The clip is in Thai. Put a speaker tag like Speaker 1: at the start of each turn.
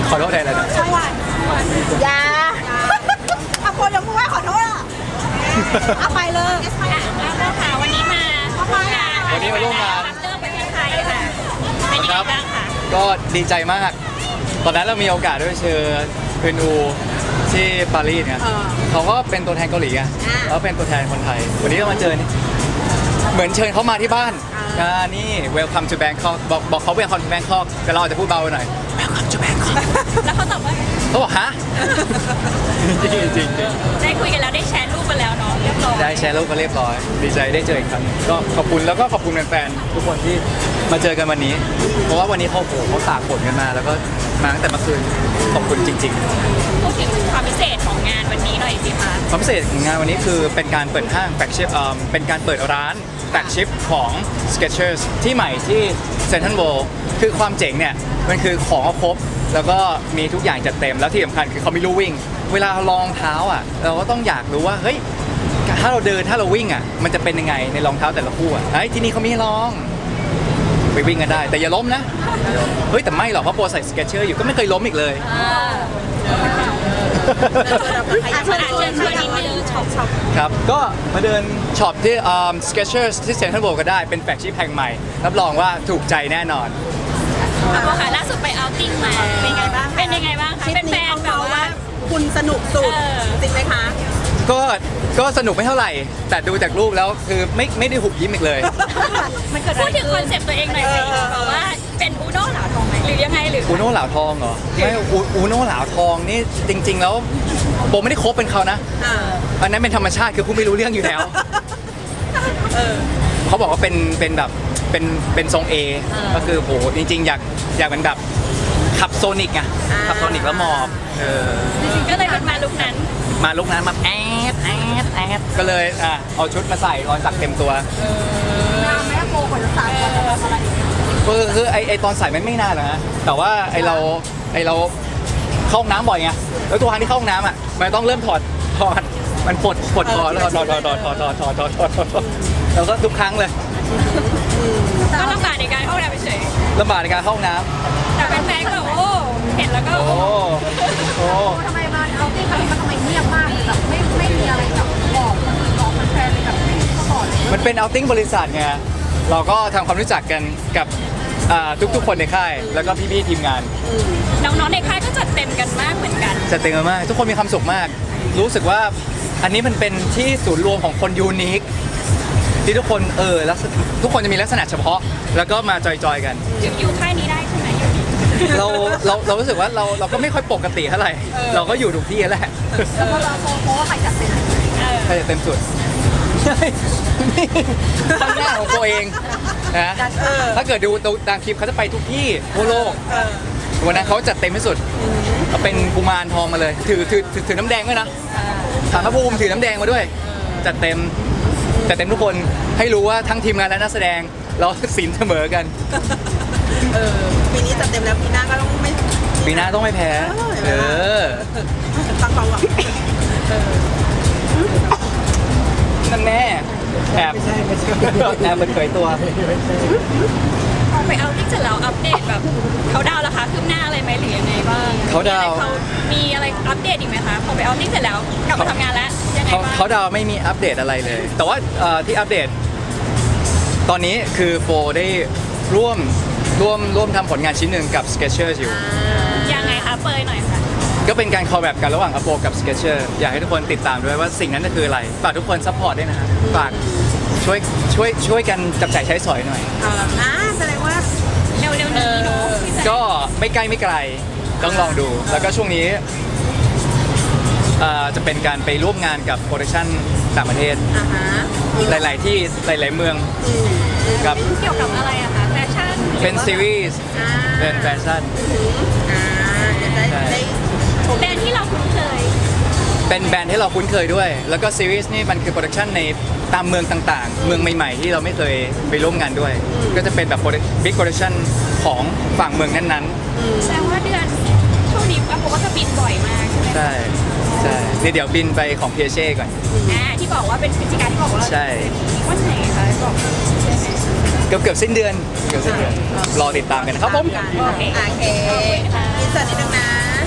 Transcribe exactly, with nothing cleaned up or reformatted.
Speaker 1: ขอโทษแทนเลยนะ
Speaker 2: ใช่วันยาอะโปยังพูดว่าขอโทษอ่ะเอาไปเลย
Speaker 3: แล้วก็ค่ะวันนี้มาร่วมงาน
Speaker 1: วันนี้มาร่วมงาน
Speaker 3: เรื่องประเทศไทยค่ะเป็นยังไงบ้างคะ
Speaker 1: ก็ดีใจมาก ตอนนั้นเรามีโอกาสได้ไปเชิญเพื่อนอูที่ปารีสเนี่ยเขาก็เป็นตัวแทนเกาหลีไงแล้วเป็นตัวแทนคนไทย วันนี้เรามาเจอนี่เหมือนเชิญเขามาที่บ้านอ่านี่ welcome to Bangkok บอกบอกเขา welcome to Bangkok แต่เราอาจจะพูดเบาไปหน่อย welcome to Bangkok
Speaker 3: แล้วเขาตอบว่า
Speaker 1: เขาบอกฮะ จริงจริงจริง
Speaker 3: ได้คุยกันแล้วได้แชร์รูปกันแล้วเนาะเรียบร้อย
Speaker 1: ได้แชร์รูปกันเรียบร้อย ดีใจได้เจออีกครั้งก็ขอบคุณแล้วก็ขอบคุณแฟนๆทุกคนที่มาเจอกันวันนี้ เพราะว่าวันนี้เขาโหเขาตากฝนกันมา แล้วก็มาตั้งแต่เมื่อคืนขอบคุณจริง ๆ
Speaker 3: พูดถึงความพิเศษของงานวันนี้หน่อยสิคะ
Speaker 1: ความพิเศษของงานวันนี้คือเป็นการเปิดห้างแฟกชิพเป็นการเปิดร้านแฟกชิพของ Skechers ที่ใหม่ที่เซ็นทรัลเวิลด์คือความเจ๋งเนี่ยมันคือของครบแล้วก็มีทุกอย่างจัดเต็มแล้วที่สำคัญคือเขามีลู่วิ่ง เวลาเราลองเท้าอ่ะเราก็ต้องอยากรู้ว่าเฮ้ยถ้าเราเดินถ้าเราวิ่งอ่ะมันจะเป็นยังไงในรองเท้าแต่ละคู่อ่ะเฮ้ยที่นี่เขามีให้ลองไปวิ่งกันได้แต่อย่าล้มนะเฮ้ยแต่ไม่หรอกเพราะโปรใส่ Skechers อยู่ก็ไม่เคยล้มอีกเลย
Speaker 3: อาเชิญเชิญชวนนิดนึงช็อปช็อป
Speaker 1: ครับก็มาเดินช็อปที่ um, Skechers ที่เซ็นทรัลเวิลด์ก็ได้เป็นแฟลกชิพแห่งใหม่รับรองว่าถูกใจแน่นอน
Speaker 3: แล้วก็ค่ะล่าสุดไปเอาท์ติ้งมาเป็นไงบ้างเป็นยังไงบ้างคะ
Speaker 2: ทริป
Speaker 3: เป็นแฟ
Speaker 2: นี้
Speaker 3: น
Speaker 2: เขา
Speaker 3: แบบ
Speaker 2: เมา
Speaker 3: ว่า
Speaker 2: ว่าคุณสนุกสุด
Speaker 3: เออ
Speaker 2: จริงไหมคะ
Speaker 1: ก็ก็สนุกไม่เท่าไหร่ แต่ดูจากรูปแล้วคือไม่ไม่ได้หุบยิ้มอีกเลย
Speaker 2: มันเกิด
Speaker 3: พู
Speaker 2: อะ
Speaker 3: ด
Speaker 2: ไร
Speaker 3: ถึงคอนเซ็ปต์ตัวเองหน่อยสิแบบว่าเป็นอูโน่เหลาทองไหมหรือยังไงหรือ
Speaker 1: อูโน่เหลาทองเหรอไม่อูอูโน่เหลาทองนี่จริง ๆ แล้วโบไม่ได้คบเป็นเขานะ
Speaker 2: อ่า
Speaker 1: อันนั้นเป็นธรรมชาติคือผู้ไม่รู้เรื่องอยู่แล้ว
Speaker 2: เออ
Speaker 1: เขาบอกว่าเป็นเป็นแบบเป็นเป็นทรงเอก็คือโหจริง ๆ อยากอยากเป็นแบบขับโซนิกไงขับโซนิกแล้วมอบเออ
Speaker 3: ก็เลยเป็นมาลุกนั้น
Speaker 1: มาลุกนั้นมาแอดแอดแอดก็เลยอ่ะเอาชุดมาใส่รอยสักเต็มตัว
Speaker 2: นานไหมโปรกว่าจะสามวันจะทำอะไร
Speaker 1: คือคือไอไอตอนใส่มันไม่นานหรอกนะแต่ว่าไอเราไอเราเข้าห้องน้ำบ่อยไงแล้วตัวทางที่เข้าห้องน้ำอ่ะมันต้องเริ่มถอดถอดมันปลดปลดคอแล้วถอดถอดถอดถอดถอดถอดถอดถอดถอดถอดถอดแล้วก็ทุกครั้งเลย
Speaker 3: ก็ลำบากในการเข้าห้องน้ำเฉย
Speaker 1: ลำบากในการเข้าห้องน้
Speaker 3: ๆแต่แฟนๆก็แบบโอ้เห็นแล้วก็
Speaker 1: ำโอ้โอ้
Speaker 2: ทำไมมาเอาที่ครั้งนี้มันทำไมเงียบมากแบบไม่ไม่มีอะไรแบบบอกบอกแฟนๆเลยแบบไม่มีข้อบอกเลย
Speaker 1: มันเป็นเอาติ้งบริษัทไงเราก็ทำความรู้จักกันกับอ่าทุกๆคนในค่ายแล้วก็พี่ๆทีมงาน
Speaker 3: น้องๆในค่ายก็จัดเต็มกันมากเหมือนกัน
Speaker 1: จัดเต็มมากทุกคนมีความสุขมาก รู้สึกว่าอันนี้มันเป็นที่ศูนย์รวมของคนยูนิคที่ทุกคนเออลักษณะทุกคนจะมีลักษณะเฉพาะ แล้วก็มาจอยๆกัน
Speaker 3: อยู่อยู่ค่ายนี้ได้ใช่ไหมอยู่ดี
Speaker 1: เราเราเรารู้สึกว่าเราเราก็ไม่ค่อยปกติเท่าไหร่เราก็อยู่ทุกที่แหละ
Speaker 2: แล้วพอเราโพสต์ว่าใครจัดเต็ม
Speaker 3: เออ
Speaker 1: ใครจะเต็มสุดนี่ข้างหน้าของตัวเองนะถ้าเกิดดูตามคลิปเขาจะไปทุกที่ทั่วโลกวันนั้นเขาจัดเต็มที่สุดเขาเป็นกุมารทองมาเลยถือถือถือถือน้ำแดงด้วยนะถามพระภูมิถือน้ำแดงมาด้วย จัดเต็มจัดเต็มทุกคนให้รู้ว่าทั้งทีมงานและนักแสดงเราสินเสมอกัน
Speaker 2: เออปีนี้จัดเต็มแล้วปีหน้าก็ต้องไม่
Speaker 1: ปีหน้าต้องไม่แพ้ เออ
Speaker 2: ฟังฟังก่อน
Speaker 1: นั่นแน่แอบแอบเปิดเผยตัว
Speaker 3: พอไปเอาที่เสร็จแล้วอัปเดตแบบเขาดาวน์ราคาคืบหน้าอะไรไหมหรือยังไงบ้าง
Speaker 1: เขาดาวน์
Speaker 3: มีอะไรอัปเดตอีกไหมคะพอไปเอาที่เสร็จแล้วกลับมาทำงานแล้วยังไง
Speaker 1: เขา
Speaker 3: บ้าง
Speaker 1: เขาดาวไม่มีอัปเดตอะไรเลย แต่ว่าเอ่อที่อัปเดต ตอนนี้คือโฟได้ร่วมร่วมร่วมทำผลงานชิ้นหนึ่งกับ Skechers อยู่
Speaker 3: ยังไงคะเปยหน่อยค่ะ
Speaker 1: ก็เป็นการคอลแลบกันระหว่างอโปกับ Skechers อยากให้ทุกคนติดตามด้วยว่าสิ่งนั้นจะคืออะไร ฝากทุกคนซัพพอร์ตด้วยนะฮะฝากช่วยช่วยช่วยกันจับจ่ายใช้สอยหน่อย
Speaker 2: อ่าแสดงว่า
Speaker 3: เร็วๆนี้เนาะพี่แซม
Speaker 1: ก็ไม่ใกล้ไม่ไกลต้องลองดู แล้วก็ช่วงนี้เอ่อจะเป็นการไปร่วมงานกับโปรดักชั่นต่างประเทศ
Speaker 2: อ่าฮะ
Speaker 1: หลาย ๆ ที่หลาย ๆ เมืองกับ
Speaker 3: เกี่ยวกับอะไรอะคะแฟชั่น
Speaker 1: เป็นซีรีส์
Speaker 2: อ่า
Speaker 1: เป็นแฟชั่น
Speaker 2: อ่าจะได้ได้ชม
Speaker 3: แบรนด์ที่เราคุ้นเคย
Speaker 1: เป็นแบรนด์ที่เราคุ้นเคยด้วย แล้วก็ซีรีส์นี่มันคือโปรดักชันในตามเมืองต่าง ๆ เมืองใหม่ ๆ ที่เราไม่เคยไปร่วมงานด้วย ก็จะเป็นแบบบิ๊กโปรดักชันของฝั่งเมืองนั้น
Speaker 3: แสดงว่าเดือนช่วงนี้อาโปก็จะบินบ่อยมากใช่ไหม
Speaker 1: ๆ ใช่ ใช่เดี๋ยวเดี๋ยวบินไปของเพียเช่ก่อน
Speaker 3: อ่าที่บอกว่าเป็นพฤติการที่บอกว่า
Speaker 1: ใช่
Speaker 3: วันไหนคะบอกได้ไหม
Speaker 1: เกือบเกือบสิ้นเดือนเกือบสิ้นเดือนรอติดตามกันนะครับผม
Speaker 2: โอเคอินเสิร์ตนิดนึงนะ